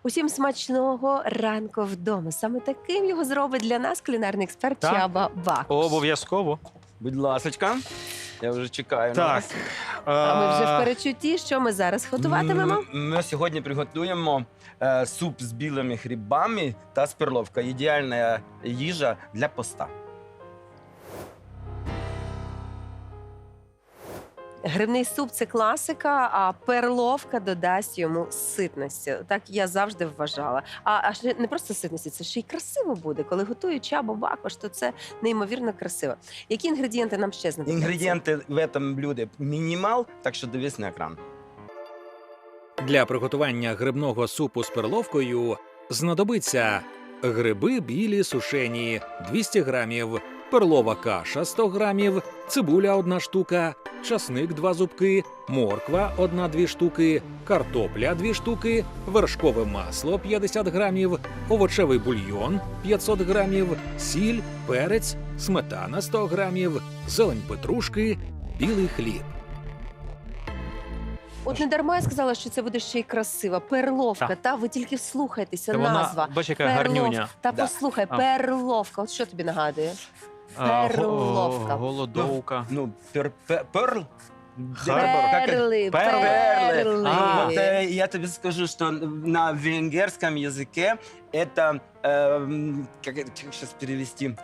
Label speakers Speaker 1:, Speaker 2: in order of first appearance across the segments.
Speaker 1: Усім смачного ранку вдома. Саме таким його зробить для нас кулінарний експерт
Speaker 2: Так.
Speaker 1: Чаба Бакуш.
Speaker 2: Обов'язково.
Speaker 3: Будь ласочка, я вже чекаю на
Speaker 2: Так.
Speaker 3: вас.
Speaker 1: А ми вже в перечутті, що ми зараз готуватимемо?
Speaker 3: Ми сьогодні приготуємо суп з білими грибами та з перловкою. Ідеальна їжа для поста.
Speaker 1: Грибний суп – це класика, а перловка додасть йому ситності. Так я завжди вважала. А ще не просто ситності, це ще й красиво буде. Коли готує Чаба Бакуш, то це неймовірно красиво. Які інгредієнти нам ще знадобляться?
Speaker 3: Інгредієнти в цьому блюді мінімал, так що дивись на екран.
Speaker 4: Для приготування грибного супу з перловкою знадобиться гриби білі сушені 200 грамів, перлова каша 100 грамів, цибуля 1 штука, часник 2 зубки, морква 1-2 штуки, картопля 2 штуки, вершкове масло 50 грамів, овочевий бульйон 500 грамів, сіль, перець, сметана 100 грамів, зелень петрушки, білий хліб.
Speaker 1: От не дарма я сказала, що це буде ще й красиво. Перловка,
Speaker 2: Так.
Speaker 1: та ви тільки вслухайтеся,
Speaker 2: Та
Speaker 1: назва.
Speaker 2: вона, бач, яка гарнюня.
Speaker 1: Та
Speaker 3: Да.
Speaker 1: послухай,
Speaker 2: А.
Speaker 1: перловка. От що тобі нагадує?
Speaker 2: А,
Speaker 1: Перловка.
Speaker 2: Голодовка.
Speaker 3: Ну, перл.
Speaker 1: Перли,
Speaker 3: Перли.
Speaker 2: А.
Speaker 3: Вот, я тебе скажу, что на венгерском языке это, как сейчас перевести,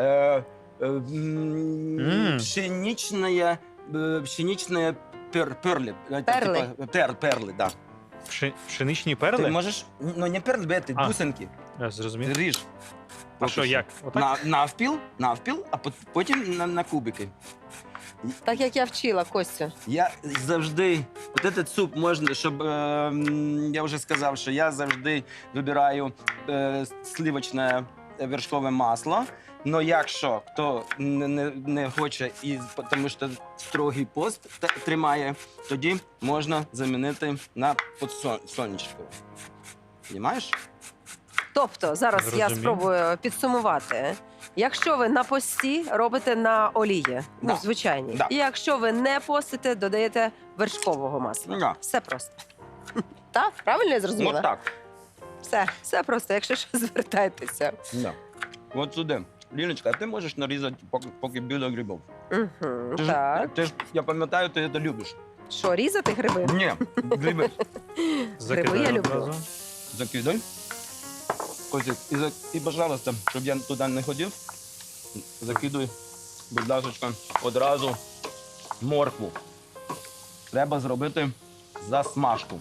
Speaker 3: пшеничная перли.
Speaker 1: Перли.
Speaker 3: Перли, да.
Speaker 2: Пшеничні
Speaker 3: Ты
Speaker 2: перли?
Speaker 3: можешь, ну не перли, это
Speaker 2: А.
Speaker 3: бусинки.
Speaker 2: Я зрозумів.
Speaker 3: Ріж.
Speaker 2: А що, як? Отак?
Speaker 3: Навпіл, а потім на кубики.
Speaker 1: Так як я вчила, Костю.
Speaker 3: Я завжди, от этот суп можна, щоб, я вже сказав, що я завжди вибираю сливочне вершкове масло. Но якщо хто не хоче, тому що строгий пост тримає, тоді можна замінити на подсолнечникове. Понімаєш?
Speaker 1: Тобто, зараз я
Speaker 2: Зрозумів.
Speaker 1: спробую підсумувати. Якщо ви на пості, робите на олії,
Speaker 3: Да.
Speaker 1: звичайній.
Speaker 3: Да.
Speaker 1: І якщо ви не постите, додаєте вершкового масла.
Speaker 3: Да.
Speaker 1: Все просто. Так, правильно я зрозуміла?
Speaker 3: От так.
Speaker 1: Все просто, якщо що, звертайтеся.
Speaker 3: Да. От сюди. Ліночка, а ти можеш нарізати поки білих грибів?
Speaker 1: Угу,
Speaker 3: Ти
Speaker 1: так.
Speaker 3: ж, я пам'ятаю, ти це любиш.
Speaker 1: Що, різати гриби?
Speaker 3: Ні, гриби.
Speaker 2: Закидаю
Speaker 1: я люблю.
Speaker 2: одразу.
Speaker 3: Закидай. Костик, і, пожалуйста, щоб я туди не ходив, закидуй, будь ласка, одразу моркву. Треба зробити засмажку.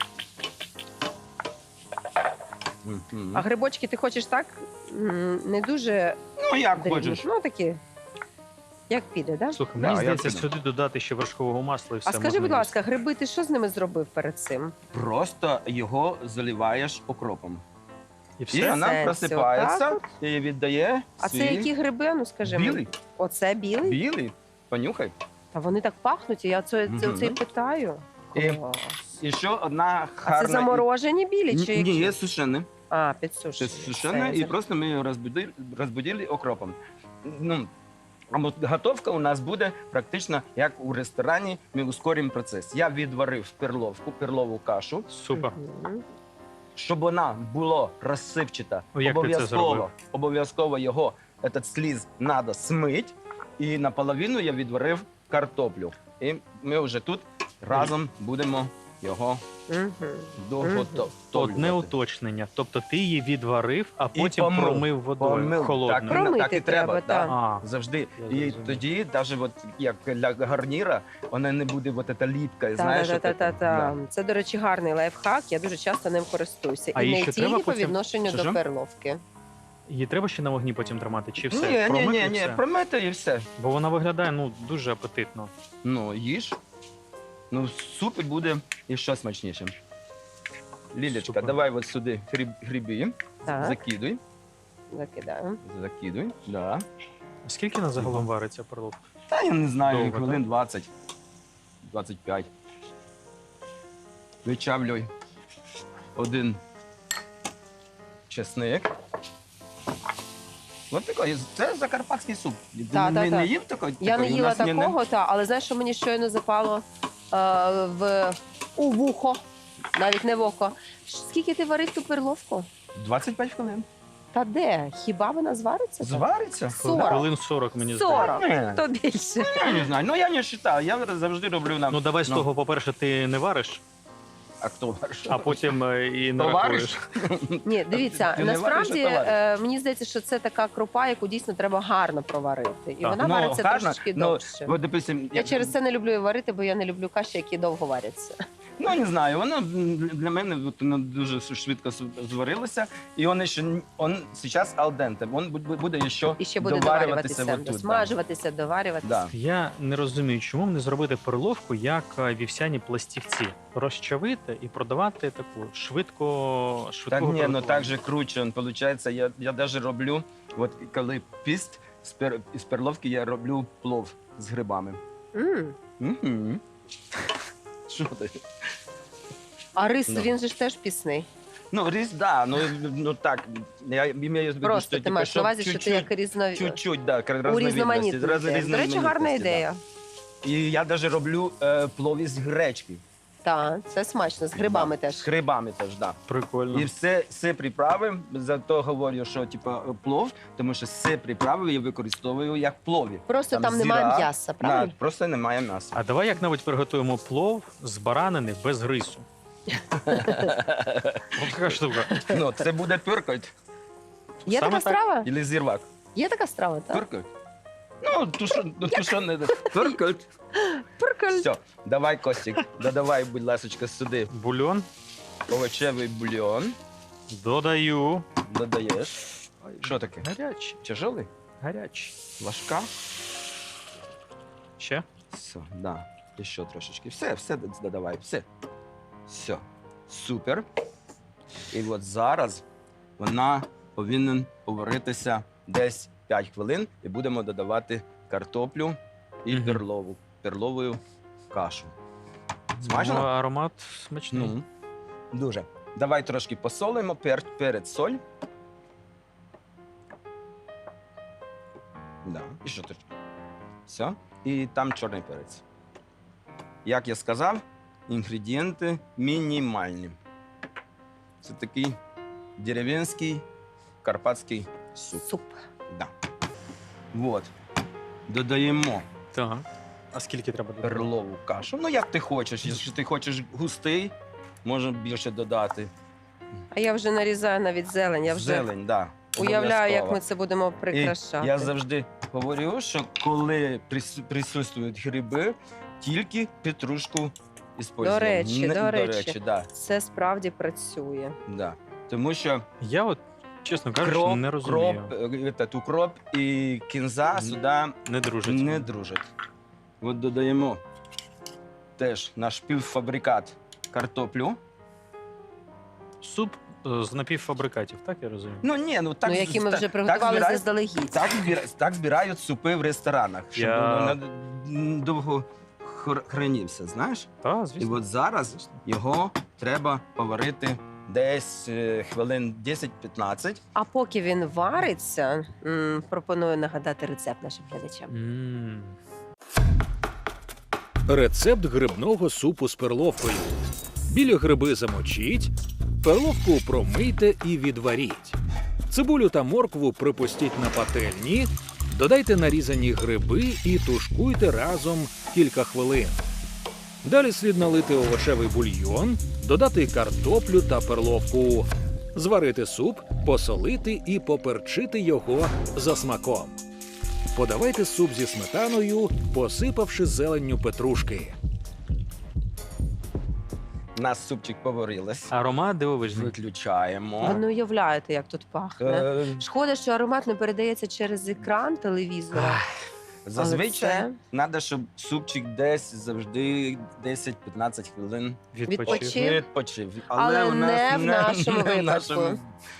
Speaker 3: Мгм.
Speaker 1: А грибочки ти хочеш так? Не дуже
Speaker 3: Ну, як
Speaker 1: дрібні.
Speaker 3: хочеш.
Speaker 1: Ну, такі. Як піде, так?
Speaker 2: Слухай,
Speaker 3: Да,
Speaker 2: мені
Speaker 3: я
Speaker 2: здається,
Speaker 3: піду.
Speaker 2: сюди додати ще вершкового масла і все.
Speaker 1: А скажи,
Speaker 2: можна
Speaker 1: будь
Speaker 2: їсти.
Speaker 1: ласка, гриби, ти що з ними зробив перед цим?
Speaker 3: Просто його заливаєш окропом.
Speaker 2: І
Speaker 3: І
Speaker 2: все?
Speaker 3: вона
Speaker 1: Це
Speaker 3: просипається
Speaker 1: отак
Speaker 3: і віддає
Speaker 1: А це
Speaker 3: свій
Speaker 1: які гриби? Ну скажи мені.
Speaker 3: білий.
Speaker 1: Оце білий?
Speaker 3: Білий. Понюхай.
Speaker 1: Та вони так пахнуть, і я це
Speaker 3: Мгм.
Speaker 1: і питаю.
Speaker 3: І-
Speaker 1: Клас.
Speaker 3: І ще одна
Speaker 1: А це
Speaker 3: гарна...
Speaker 1: заморожені білі чи які?
Speaker 3: Ні, є сушені.
Speaker 1: А,
Speaker 3: Це
Speaker 1: підсушені.
Speaker 3: сушене,
Speaker 1: Все,
Speaker 3: і просто ми його розбудили окропом. Ну, а от готовка у нас буде практично як у ресторані, ми ускоримо процес. Я відварив перлову кашу,
Speaker 2: Супер.
Speaker 1: Мгм.
Speaker 3: щоб вона була розсипчата.
Speaker 2: О, як ти це зробив?
Speaker 3: Обов'язково його, этот сліз, треба смити. І наполовину я відварив картоплю. І ми вже тут разом будемо його
Speaker 1: Мгм.
Speaker 3: доготовлювати.
Speaker 2: Одне уточнення. Тобто ти її відварив, а
Speaker 3: І
Speaker 2: потім
Speaker 3: помив.
Speaker 2: промив водою
Speaker 3: Помив.
Speaker 2: холодною.
Speaker 3: Так,
Speaker 1: Промити
Speaker 3: так і треба,
Speaker 1: треба,
Speaker 3: да.
Speaker 1: так.
Speaker 2: А,
Speaker 3: Завжди.
Speaker 2: Я
Speaker 3: І
Speaker 2: зрозумів.
Speaker 3: тоді, навіть от, як для гарніра, вона не буде от ця ліпка. Знаєш,
Speaker 1: Та.
Speaker 3: от це.
Speaker 1: Це, до речі, гарний лайфхак. Я дуже часто ним користуюся.
Speaker 2: А
Speaker 1: І
Speaker 2: їй
Speaker 1: не
Speaker 2: ще
Speaker 1: тільки
Speaker 2: треба
Speaker 1: по
Speaker 2: потім-
Speaker 1: відношенню
Speaker 3: Що
Speaker 1: до
Speaker 3: ж?
Speaker 1: перловки.
Speaker 2: її треба ще на вогні потім тримати, чи все?
Speaker 3: Ні,
Speaker 2: Промив і
Speaker 3: ні,
Speaker 2: все?
Speaker 3: промити і все.
Speaker 2: Бо вона виглядає дуже апетитно.
Speaker 3: Ну, їж. Ну, в супі буде і ще смачніше. Лілечка,
Speaker 2: Супер.
Speaker 3: давай от сюди гриби.
Speaker 1: Так,
Speaker 3: Закидуй.
Speaker 1: закидаємо.
Speaker 3: Закидуй. Да.
Speaker 2: Скільки на загалом вариться перловка?
Speaker 3: Та я не знаю,
Speaker 2: Довго,
Speaker 3: хвилин
Speaker 2: так?
Speaker 3: 20. 25. Вичавлюй один чесник. Ось такий, це закарпатський суп.
Speaker 1: Та.
Speaker 3: Не їв такий?
Speaker 1: Я не
Speaker 3: Такий? У
Speaker 1: їла
Speaker 3: нас ні,
Speaker 1: такого, але знаєш, що мені щойно запало у вухо? навіть не в око. Скільки ти варив ту перловку?
Speaker 3: 25 хвилин.
Speaker 1: Та де? Хіба вона звариться? так?
Speaker 3: Звариться?
Speaker 1: 40.
Speaker 2: Хвилин 40, мені
Speaker 1: 40.
Speaker 2: здається.
Speaker 1: То більше.
Speaker 3: Я не знаю, ну я не вважаю, я завжди роблю на...
Speaker 2: Ну давай з того, по-перше, ти не вариш,
Speaker 3: А хто вариш?
Speaker 2: а потім і не
Speaker 3: То
Speaker 2: рахуєш.
Speaker 3: вариш?
Speaker 1: Ні, дивіться,
Speaker 3: Ти не
Speaker 1: насправді
Speaker 3: вариш, а то вариш.
Speaker 1: мені здається, що це така крупа, яку дійсно треба гарно проварити. І
Speaker 2: Так.
Speaker 1: вона
Speaker 3: Ну,
Speaker 1: вариться
Speaker 3: гарно,
Speaker 1: трошечки
Speaker 3: ну,
Speaker 1: довше.
Speaker 3: От, допустим,
Speaker 1: Я через це не люблю її варити, бо я не люблю каші, які довго варяться.
Speaker 3: Ну, не знаю, воно для мене от, воно дуже швидко зварилося, і він ще зараз алденте, він буде ще,
Speaker 1: І ще буде
Speaker 3: доварюватися
Speaker 1: доварюватися,
Speaker 3: отут, да.
Speaker 1: досмажуватися, доварюватися.
Speaker 3: Да.
Speaker 2: Я не розумію, чому б не зробити перловку як вівсяні пластівці. Розчавити і продавати таку швидко
Speaker 3: Так ні, ну
Speaker 2: приготування.
Speaker 3: так же круче, виходить, я навіть роблю, от коли піст з перловки, я роблю плов з грибами. Угу. Що ти?
Speaker 1: А рис,
Speaker 3: Ну.
Speaker 1: він же ж теж пісний.
Speaker 3: Ну, рис, да, ну так, я имею в виду,
Speaker 1: Просто
Speaker 3: що,
Speaker 1: ти
Speaker 3: типу,
Speaker 1: маєш на
Speaker 3: щоб
Speaker 1: увазі, що ти як
Speaker 3: чуть-чуть, да,
Speaker 1: урізноманітнити. До речі, гарна
Speaker 3: да.
Speaker 1: ідея.
Speaker 3: І я навіть роблю плов із гречки.
Speaker 1: Так, це смачно, з грибами
Speaker 3: Да.
Speaker 1: теж.
Speaker 3: З грибами теж, так.
Speaker 2: Прикольно.
Speaker 3: Да. І все приправи, зато говорю, що типу, плов, тому що все приправи я використовую як плові.
Speaker 1: Просто там немає
Speaker 3: зіра,
Speaker 1: м'яса,
Speaker 3: Да,
Speaker 1: правильно?
Speaker 3: просто немає м'яса.
Speaker 2: А давай як-небудь приготуємо плов з баранини без рису. Ось така штука.
Speaker 3: Ну, це буде пюркоть
Speaker 1: Є
Speaker 2: Саме
Speaker 1: така
Speaker 2: так.
Speaker 1: страва?
Speaker 3: або зірвак.
Speaker 1: Є така страва, так?
Speaker 3: Пюркоть. Ну, тушоне. Пюркоть.
Speaker 1: Прикольно.
Speaker 3: Все, давай, Костік, додавай, будь ласка, сюди
Speaker 2: Бульон
Speaker 3: овочевий бульйон.
Speaker 2: додаю.
Speaker 3: Додаєш. Що таке?
Speaker 2: Гарячий,
Speaker 3: Тяжелий?
Speaker 2: гарячий.
Speaker 3: Ложка?
Speaker 2: Ще?
Speaker 3: Все, да. І ще трошечки. Все додавай, все. Супер. І от зараз вона повинна поваритися десь 5 хвилин і будемо додавати картоплю і
Speaker 2: Мгм.
Speaker 3: перлову кашу.
Speaker 2: Ну,
Speaker 3: Смачно?
Speaker 2: аромат смачний.
Speaker 3: Ну, дуже. Давай трошки посолимо, перець, соль. Да. І що трошки. Все. І там чорний перець. Як я сказав, інгредієнти мінімальні. Це такий дерев'янський карпатський суп.
Speaker 1: Суп.
Speaker 3: Да. Вот. Додаємо
Speaker 2: Так. А скільки треба додати?
Speaker 3: перлову кашу. Ну, як ти хочеш. Якщо ти хочеш густий, можна більше додати.
Speaker 1: А я вже нарізаю навіть зелень. Я вже
Speaker 3: Зелень, да.
Speaker 1: уявляю, як
Speaker 3: обов'язково.
Speaker 1: ми це будемо
Speaker 3: І
Speaker 1: прикрашати.
Speaker 3: я завжди говорю, що коли присутствують гриби, тільки петрушку використовуємо.
Speaker 1: До речі.
Speaker 3: Да,
Speaker 1: Це справді працює.
Speaker 3: да. Тому що
Speaker 2: Я от, чесно кажучи, не розумію.
Speaker 3: укроп і кінза сюди
Speaker 2: Не дружить.
Speaker 3: не дружать. От додаємо теж наш півфабрикат картоплю.
Speaker 2: Суп з напівфабрикатів, так я розумію?
Speaker 3: Ну ні, ну так,
Speaker 1: Ну, які ми
Speaker 3: так-
Speaker 1: вже
Speaker 3: так
Speaker 1: приготували
Speaker 3: збирають-
Speaker 1: заздалегідь.
Speaker 3: Так збирають супи в ресторанах, щоб
Speaker 2: Я-
Speaker 3: він довго хранився, знаєш?
Speaker 2: Так,
Speaker 3: І
Speaker 2: звісно.
Speaker 3: от зараз його треба поварити десь хвилин 10-15.
Speaker 1: А поки він вариться, пропоную нагадати рецепт нашим глядачам.
Speaker 2: М.
Speaker 4: Рецепт грибного супу з перловкою. Білі гриби замочіть, перловку промийте і відваріть. Цибулю та моркву припустіть на пательні, додайте нарізані гриби і тушкуйте разом кілька хвилин. Далі слід налити овочевий бульйон, додати картоплю та перловку, зварити суп, посолити і поперчити його за смаком. Подавайте суп зі сметаною, посипавши зеленню петрушки.
Speaker 3: У нас супчик поварилось.
Speaker 2: Аромат дивовижний.
Speaker 3: Виключаємо.
Speaker 1: Ви не уявляєте, як тут пахне.
Speaker 3: Е,
Speaker 1: Шкода, що аромат не передається через екран телевізора.
Speaker 3: Зазвичай треба, щоб супчик десь завжди 10-15 хвилин
Speaker 1: Відпочив.
Speaker 3: відпочив.
Speaker 1: Але
Speaker 3: у нас
Speaker 1: не в нашому
Speaker 3: не в
Speaker 1: випадку.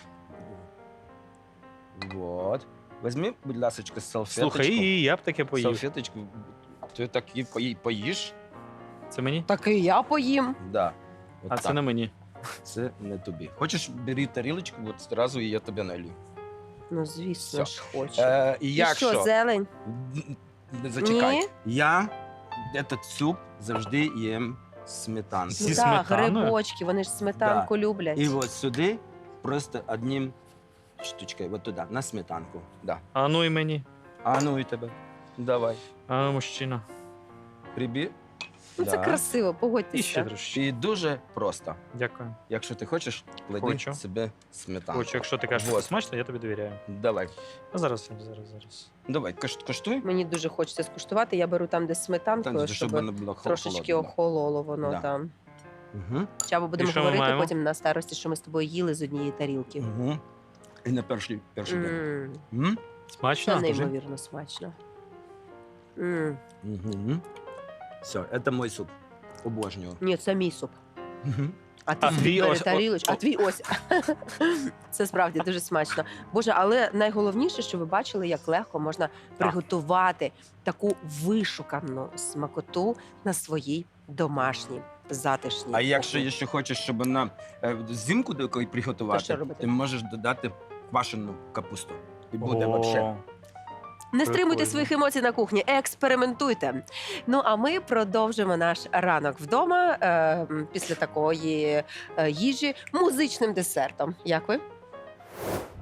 Speaker 3: Вот. Візьми, будь ласка, салфеточку.
Speaker 2: Слухай, і я б таке поїв.
Speaker 3: Салфеточку. Ти так і поїш?
Speaker 2: Це мені?
Speaker 1: Так і я поїм.
Speaker 3: Да. От
Speaker 2: А
Speaker 3: так.
Speaker 2: це не мені.
Speaker 3: Це не тобі. Хочеш, бери тарілочку, от одразу і я тебе налью.
Speaker 1: Ну, звісно
Speaker 3: Все.
Speaker 1: ж, хочу.
Speaker 3: І
Speaker 1: І
Speaker 3: якщо...
Speaker 1: що, зелень?
Speaker 3: Зачекай.
Speaker 1: Ні?
Speaker 3: Я этот суп завжди їм сметанки.
Speaker 2: Зі
Speaker 1: Так,
Speaker 2: сметаною?
Speaker 1: грибочки, вони ж сметанку люблять.
Speaker 3: І от сюди просто одним штучкою, от туди, на сметанку. Да.
Speaker 2: А ну і мені.
Speaker 3: А ну і тебе. Давай.
Speaker 2: А ну, мужчина.
Speaker 3: Прибір.
Speaker 1: Ну, це красиво,
Speaker 2: І ще
Speaker 1: погодьтеся.
Speaker 2: трошки.
Speaker 3: І дуже просто.
Speaker 2: Дякую.
Speaker 3: Якщо ти хочеш, клади
Speaker 2: Хочу.
Speaker 3: себе сметанку.
Speaker 2: Хочу, якщо ти кажеш, що
Speaker 3: Вот.
Speaker 2: це смачно, я тобі довіряю.
Speaker 3: Давай.
Speaker 2: А зараз.
Speaker 3: Давай, коштуй.
Speaker 1: Мені дуже хочеться скуштувати. Я беру там, де з сметанкою,
Speaker 3: Там,
Speaker 1: щоб
Speaker 3: щоб воно було
Speaker 1: трошечки
Speaker 3: холодно.
Speaker 1: охололо воно
Speaker 3: Да.
Speaker 1: там.
Speaker 3: Угу.
Speaker 1: Чабо, будемо
Speaker 2: І що ми
Speaker 1: говорити
Speaker 2: маємо?
Speaker 1: потім на старості, що ми з тобою їли з однієї тарілки.
Speaker 3: Угу. І на перший день.
Speaker 1: М, Це
Speaker 2: Смачно?
Speaker 1: неймовірно смачно. М.
Speaker 3: Угу. Все, це мій суп. Обожнюю.
Speaker 1: Ні, це мій суп.
Speaker 3: Угу.
Speaker 1: А ти
Speaker 2: А
Speaker 1: собі
Speaker 2: твій
Speaker 1: бери
Speaker 2: ось-
Speaker 1: тарілочку, а твій ось. Це справді дуже смачно. Боже, але найголовніше, що ви бачили, як легко можна приготувати таку вишукану смакоту на своїй домашній затишній.
Speaker 3: А якщо
Speaker 1: кухні.
Speaker 3: ще хочеш, щоб вона взимку до якої
Speaker 1: То що
Speaker 3: приготувати,
Speaker 1: робити?
Speaker 3: ти можеш додати квашену капусту. І буде
Speaker 2: О,
Speaker 3: вообще.
Speaker 1: Не стримуйте
Speaker 2: Прикольно.
Speaker 1: своїх емоцій на кухні, експериментуйте. Ну а ми продовжимо наш ранок вдома після такої їжі музичним десертом. Як ви?